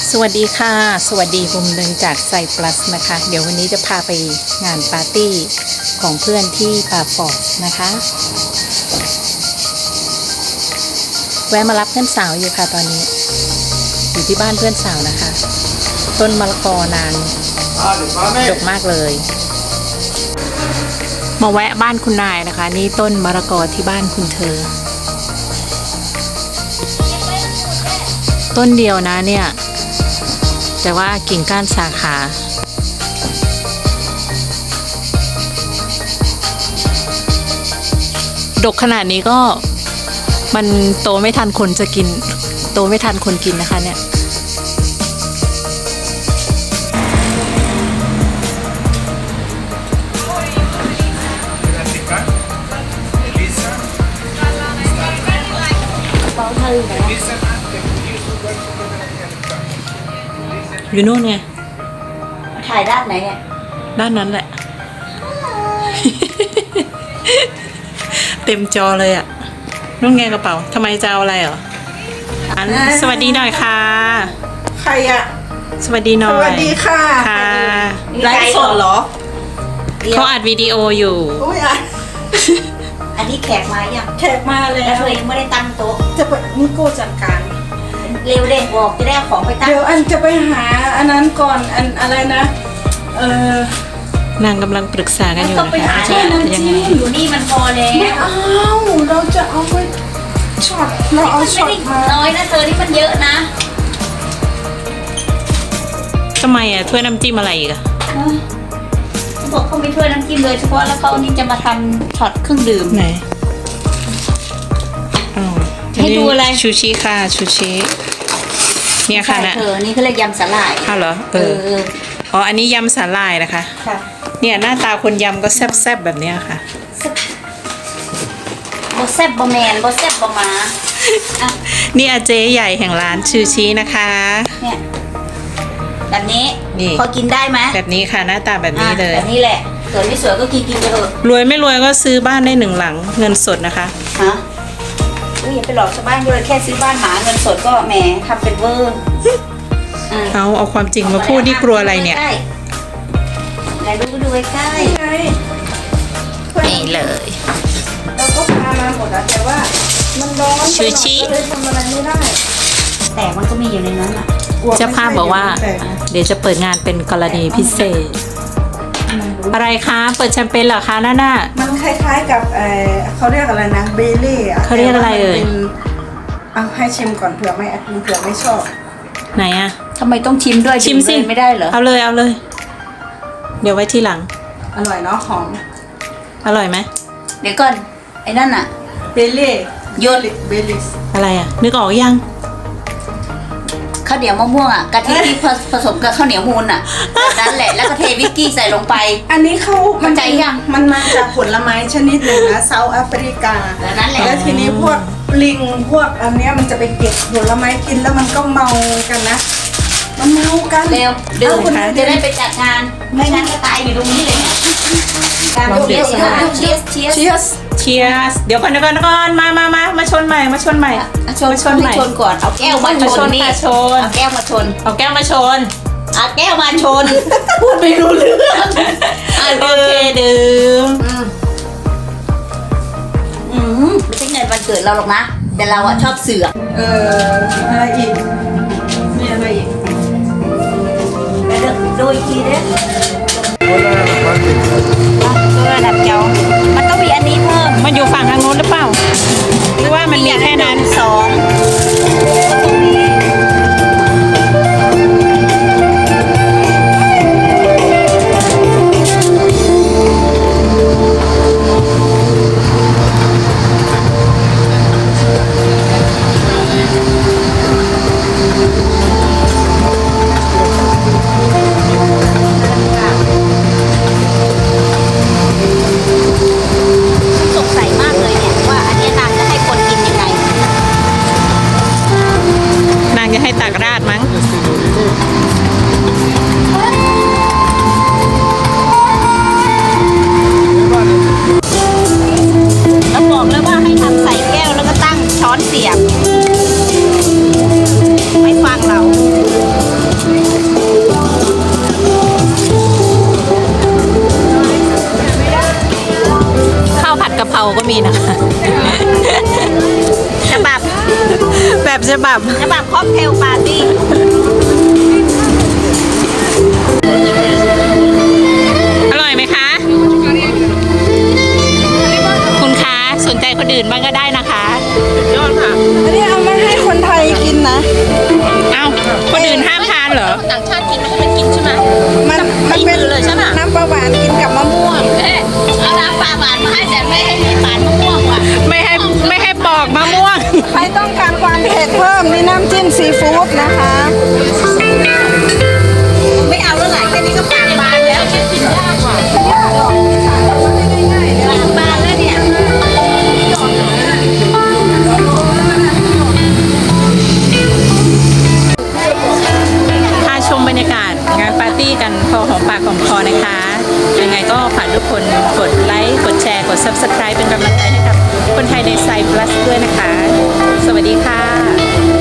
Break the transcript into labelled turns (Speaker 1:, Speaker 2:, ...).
Speaker 1: สวัสดีค่ะสวัสดีมุมหนึ่งจากไซปลัสนะคะเดี๋ยววันนี้จะพาไปงานปาร์ตี้ของเพื่อนที่ป่าปอดนะคะแวะมารับเพื่อนสาวอยู่ค่ะตอนนี้อยู่ที่บ้านเพื่อนสาวนะคะต้นมะละกอนางดกมากเลยมาแวะบ้านคุณนายนะคะนี่ต้นมะละกอที่บ้านคุณเธอต้นเดียวนะเนี่ยแต่ว่ากิ่งก้านสาขาดกขนาดนี้ก็มันโตไม่ทันคนจะกินโตไม่ทันคนกินนะคะเนี่ยอยู่นู่นไง
Speaker 2: ถ่ายด้านไหนเนี่ย
Speaker 1: ด้านนั้นแหละ เต็มจอเลยอ่ะนู่นไงกระเป๋าทำไมจะเอาอะไรเหรอสวัสดีหน่อยค่ะ
Speaker 3: ใครอะ
Speaker 1: สวัสดีหน่อย
Speaker 3: สวัสดีค่ะ
Speaker 1: ค่ะ
Speaker 3: ไลฟ์สดเหรอ
Speaker 1: เขาอัดวิดีโออยู่
Speaker 2: อันนี้แขกมายัง
Speaker 3: แขกมาเลย
Speaker 2: แล้วเธอยังไม่ได้ตั้งโต๊ะ
Speaker 3: จะไปนี่โก้จัดการ
Speaker 2: เร็วเด็กบอกจะได้เอาของไปตั้ง
Speaker 3: เดี๋ยวอันจะไปหาอันนั้นก่อนอันอะไรนะ
Speaker 1: นางกำลังปรึกษากันอยู่
Speaker 2: นะคะจะยังไงอยู่นี่มันพอแล้ว
Speaker 3: ไม่เอาเราจะเอาไปช็อตเราเอาช็อตมา
Speaker 2: น้อยนะเธอนี่มันเยอะนะ
Speaker 1: ทำไมอ่ะถ้วยน้ำจิ้มอะไรอีกอ่ะ
Speaker 2: เขาบอกเขาไม่ถ้วยน้ำจิ้มเลยเฉพาะแล้วเขานี่จะมาทำช็อตเครื่องดื่ม
Speaker 1: ไหน
Speaker 2: ให้ดูอะไร
Speaker 1: ชูชิค่ะชูชิเนี่ยค่ะนะ
Speaker 2: นี่เขาเรียกยำสาหร่าย
Speaker 1: อ้าวเหรออ๋ออันนี้ยำสาหร่ายนะคะ
Speaker 2: ค่ะ
Speaker 1: เนี่ยหน้าตาคนยำก็แซ่บๆแบบนี้ค่ะ
Speaker 2: บแซ่บบแมนบแซ่บบมา
Speaker 1: นี่อาเจ๊ใหญ่แห่งร้านชูชินะคะ
Speaker 2: เนี่ยแบบนี้พอกินได้ไหม
Speaker 1: แบบนี้ค่ะหน้าตาแบบนี้เลย
Speaker 2: แบบนี้แหละสวยไม่สวยก็กินไปเถอะ
Speaker 1: รวยไม่รวยก็ซื้อบ้านได้1 หลังเงินสดนะคะ
Speaker 2: ฮะอย่าไปหลอกชาวบ้านเลยแค่ซื้อบ้านหมาเงินสดก็แหมทำเป็นเวอร์
Speaker 1: เอาความจริงมาพูดนี่กลัวอะไรเนี่ย
Speaker 2: ไหนดูใกล้
Speaker 1: นี่เลย
Speaker 3: เราก็พามาหมดแล้วแต่ว่ามันร้อน
Speaker 1: ชูชิ
Speaker 3: เลยทำอะไรไม่ได้
Speaker 2: แต่มันก็มีอยู่ในนั้นอ่ะ
Speaker 1: เจ้าภาพบอกว่าเดี๋ยวจะเปิดงานเป็นกรณีพิเศษอะไรคะเปิดแชมเปญเหรอคะนั่นน่ะ
Speaker 3: มันคล้ายๆกับเขาเรียกอะไรนะเบลเล่
Speaker 1: เขาเรียกอะไร
Speaker 3: เอาให้ชิมก่อนเผื่อไม่ชอบ
Speaker 1: ไหนอะ
Speaker 2: ทำไมต้องชิมด้วย
Speaker 1: ชิมสิ
Speaker 2: ไม่ได้เหรอ
Speaker 1: เอาเลยเดี๋ยวไว้ทีหลัง
Speaker 3: อร่อยเนาะหอม
Speaker 1: อร่อยไหม
Speaker 2: เดี๋ยวก่อนไอ้นั่นอะ
Speaker 3: เบลเล่
Speaker 2: โยน
Speaker 3: เบลลิส
Speaker 1: อะไรอะนึกออกยัง
Speaker 2: ข้าวเหนียวมะม่วงอ่ะกะทิที่ผสมกับข้าวเหนียวมูนอ่ะนั่นแหละแล้วก็เทวิสกี้ใส่ลงไป
Speaker 3: อันนี้มันใจยังมันมาจากผลไม้ชนิดหนึ่งนะเซาท์แอฟริกา
Speaker 2: นั่นแหละ
Speaker 3: แล้วทีนี้พวกลิงพวกอันเนี้ยมันจะไปเก็บผลไม้กินแล้วมันก็เมากันนะมันเมากัน
Speaker 2: เร็วดื่มจะได้ไปจัดงานไม่งั้นก็ตายอยู่ตรงนี้เลยเชียส
Speaker 1: เดี๋ยวก่อนมาชนใหม่ชน
Speaker 2: ก่อนเอาแก้วมาชนนี่เอาแก้วมาชน
Speaker 1: เอาแก้วมาชน
Speaker 2: พูดไม่รู้เรื่อง
Speaker 1: โอเคดื่ม
Speaker 2: ไม่ใช่เงินวันเกิดเราหรอกนะแต่เราอะชอบเสือก
Speaker 3: อะไรอีกมีอะไรอีก
Speaker 2: ไปดูอีกทีเด้ระดับเจ้ามันต้องมีอันนี้เพิ่ม
Speaker 1: มันอยู่ฝั่งทางโน้นหรือเปล่าหรือว่ามันมีแค่นั้น
Speaker 2: สงสัยมากเลยเนี่ยว่าอันนี้นางจะให้คนกินยังไง
Speaker 1: นางจะให้ตักราดมั้ง
Speaker 2: แล้วบอกเลยว่าให้ทำใส่แก้วแล้วก็ตั้งช้อนเสียบไม่ฟังเรา
Speaker 1: ฉบับ
Speaker 2: ฉบับค็อกเทลปาร์ตี้
Speaker 1: อร่อยไหมคะ คุณคะสนใจคนอื่นบ้างก็ได้นะคะยอดค่ะ
Speaker 3: อันนี้เอามาให้คนไทยกินนะ
Speaker 1: เอ้าคนอื่นห้ามทานเหรอ
Speaker 2: ต่างชาติกินไม่ให้มันกินใช่ไหม
Speaker 3: มันเป็น
Speaker 2: เลยใช่ไหม
Speaker 3: น้ำปลาหวานกินกับมะม่วง
Speaker 2: เอาน้ำปลาหวานมาให้แต่ไม่ให้มีปานมะม่วงว่ะ
Speaker 1: ไม่ให้ปอกมะม่วง
Speaker 3: ใครต้องการความเผ็ดเพิ่มนี่น้ำจิ้มซีฟู้ดนะคะ
Speaker 2: ไม่เอาแล้วไหนแค่นี้ก็ปากบานแล้วกินยากกว่าปากบานแล้วเนี่ย
Speaker 1: พาชมบรรยากาศงานปาร์ตี้กันพอหอมปากหอมคอนะคะ ยังไงก็ฝากทุกคนกดไลค์ กดแชร์ กด Subscribe เป็นกำลังใจให้กับคนไทยในไซ Plus ด้วยนะคะ สวัสดีค่ะ